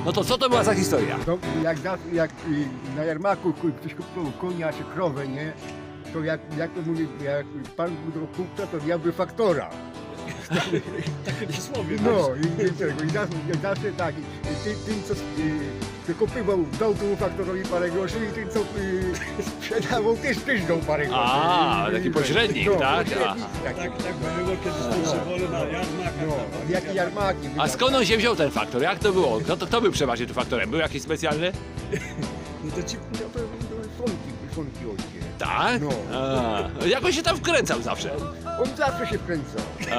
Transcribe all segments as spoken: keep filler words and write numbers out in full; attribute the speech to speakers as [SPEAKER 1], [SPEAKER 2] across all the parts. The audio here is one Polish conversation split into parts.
[SPEAKER 1] No to co to była za historia?
[SPEAKER 2] To jak, za- jak y, na jarmarku ku- ktoś kupował konia czy krowę, nie? To jak, jak to mówi, jak pan był do kupca, to diabły faktora.
[SPEAKER 3] Takie przysłowie.
[SPEAKER 2] No i, i, tego, i zawsze, i zawsze tak, i ty, tym co y, wykupywał, dał temu faktorowi parę groszy i tym co y, sprzedawał też też dał parę groszy.
[SPEAKER 1] A,
[SPEAKER 2] I-
[SPEAKER 1] taki
[SPEAKER 2] i-
[SPEAKER 1] pośrednik,
[SPEAKER 2] no,
[SPEAKER 1] tak?
[SPEAKER 2] pośrednik,
[SPEAKER 3] Tak,
[SPEAKER 2] taki.
[SPEAKER 3] tak było kiedyś te przewody na jarmarkach.
[SPEAKER 2] No, jakie jarmarki.
[SPEAKER 1] A skąd on się wziął ten faktor? Jak to było? Kto, to, kto był przeważnie tym faktorem? Był jakiś specjalny?
[SPEAKER 3] No to ci
[SPEAKER 2] No to słonki, słonki ojcie.
[SPEAKER 1] Tak?
[SPEAKER 2] No.
[SPEAKER 1] A, jak on się tam wkręcał zawsze?
[SPEAKER 2] On zawsze się wkręcał.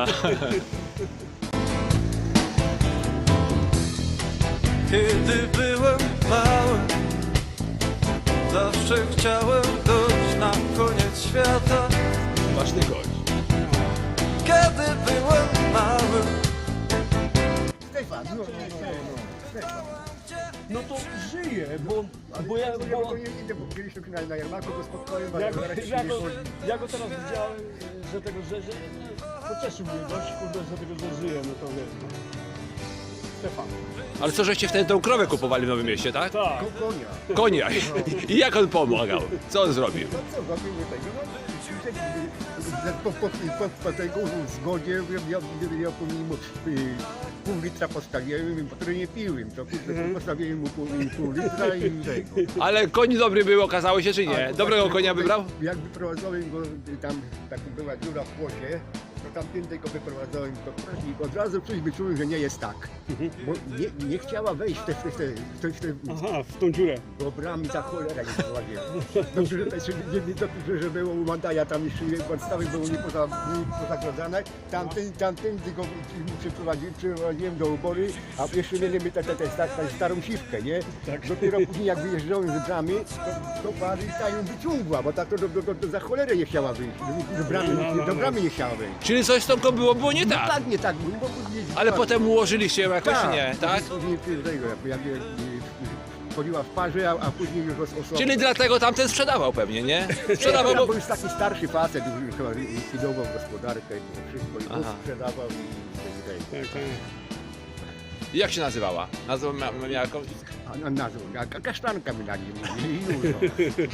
[SPEAKER 4] Kiedy byłem mały, zawsze chciałem dojść na koniec świata.
[SPEAKER 1] Ważny gość.
[SPEAKER 4] Kiedy byłem mały,
[SPEAKER 2] Stefan, no, no, no, no, Stefan.
[SPEAKER 3] No to żyje, bo, bo ja,
[SPEAKER 2] Ja
[SPEAKER 3] bo,
[SPEAKER 2] to nie idę, bo kiedyś na, na jarmarku go spotkałem, ale
[SPEAKER 3] ja, go,
[SPEAKER 2] zaraz się
[SPEAKER 3] ja,
[SPEAKER 2] nie
[SPEAKER 3] go,
[SPEAKER 2] chodzi.
[SPEAKER 3] ja go teraz widziałem, że tego, że, że pocieszył mnie dość, kurde, że tego, że żyje, no to wiesz. No. Stefan.
[SPEAKER 1] Ale co, żeście wtedy tą krowę kupowali w Nowym Mieście, tak?
[SPEAKER 3] Tak.
[SPEAKER 2] Ko- Konia.
[SPEAKER 1] Konia. I jak on pomagał? Co on zrobił?
[SPEAKER 2] No co, zrobił nie tego, no, po, po, po, po tego zgodzie ja, ja, ja po nim y, pół litra postawiłem, bo nie piłem, to kurde, postawiłem mu pół, pół litra i tego.
[SPEAKER 1] Ale koń dobry był, okazało się, czy
[SPEAKER 2] A,
[SPEAKER 1] nie?
[SPEAKER 2] to
[SPEAKER 1] Dobrego
[SPEAKER 2] właśnie,
[SPEAKER 1] konia wybrał?
[SPEAKER 2] Jak wyprowadzałem go, y, tam taka była dziura w płocie, to tamtędy go wyprowadzałem, to i od razu coś wyczułem, że nie jest tak. Bo nie, nie chciała wejść w te, w te, w te, w te
[SPEAKER 3] Aha, w tą dziurę.
[SPEAKER 2] Dobra, mi ta cholera nie prowadziła. Dobrze, że, że, nie, nie, dobrze, że było u Mandaja, tam jeszcze podstawy były nie poza, nie pozagrodzone. Tamten, tamten tylko przyprowadziłem, przyprowadziłem do obory, a jeszcze mieliśmy tę te, te, te, te starą siwkę, nie?
[SPEAKER 3] Tak.
[SPEAKER 2] Dopiero później jak wyjeżdżałem z bramy, to, to pary ta ją wyciągła, bo ta to do, do, do, do, za cholerę nie chciała wyjść. Do, do, bramy,
[SPEAKER 3] No, no, no.
[SPEAKER 2] do bramy nie chciała wyjść.
[SPEAKER 1] Czyli coś z tą koń było, było nie
[SPEAKER 2] No
[SPEAKER 1] tak.
[SPEAKER 2] tak, nie tak, bo później...
[SPEAKER 1] Ale potem ułożyliście ją jakoś, czy nie? Tak?
[SPEAKER 2] Później tego, jak, jak, jak chodziła w parze, a, a później już osobno.
[SPEAKER 1] Czyli dlatego tamten sprzedawał pewnie, nie? Sprzedawał,
[SPEAKER 2] Ja,
[SPEAKER 1] bo...
[SPEAKER 2] bo już taki starszy facet, już chyba likwidował gospodarkę i wszystko, i
[SPEAKER 1] Aha.
[SPEAKER 2] sprzedawał i i- i-
[SPEAKER 3] Tak, tak.
[SPEAKER 1] Jak się nazywała? Nazwą mia miała jakąś...
[SPEAKER 2] a, a nazwą, a ka- kasztanka mi dali, i już. No.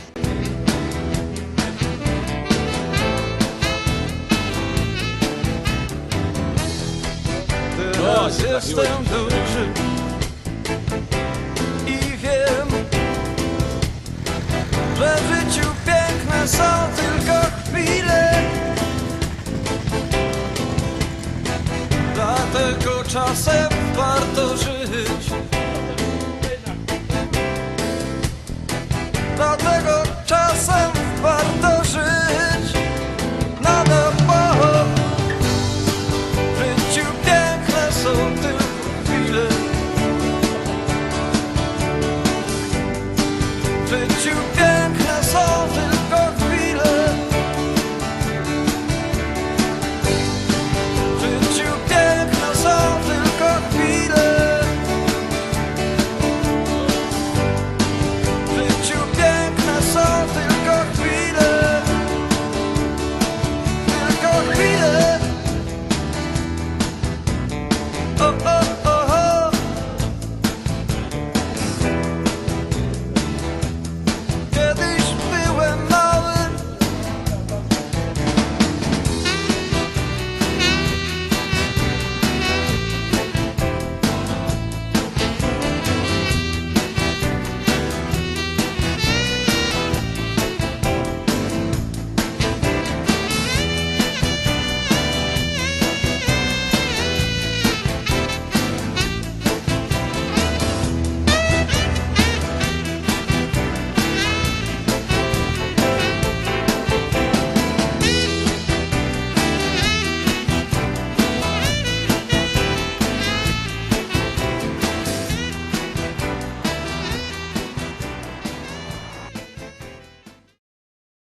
[SPEAKER 4] teraz
[SPEAKER 1] się
[SPEAKER 4] jestem
[SPEAKER 1] trafiłeś.
[SPEAKER 4] duży i wiem, że w życiu piękne są tylko chwile. Dlatego czasem warto żyć. Dlatego czasem warto żyć. Na nowo. W życiu piękne są tylko chwile. W życiu piękne są tylko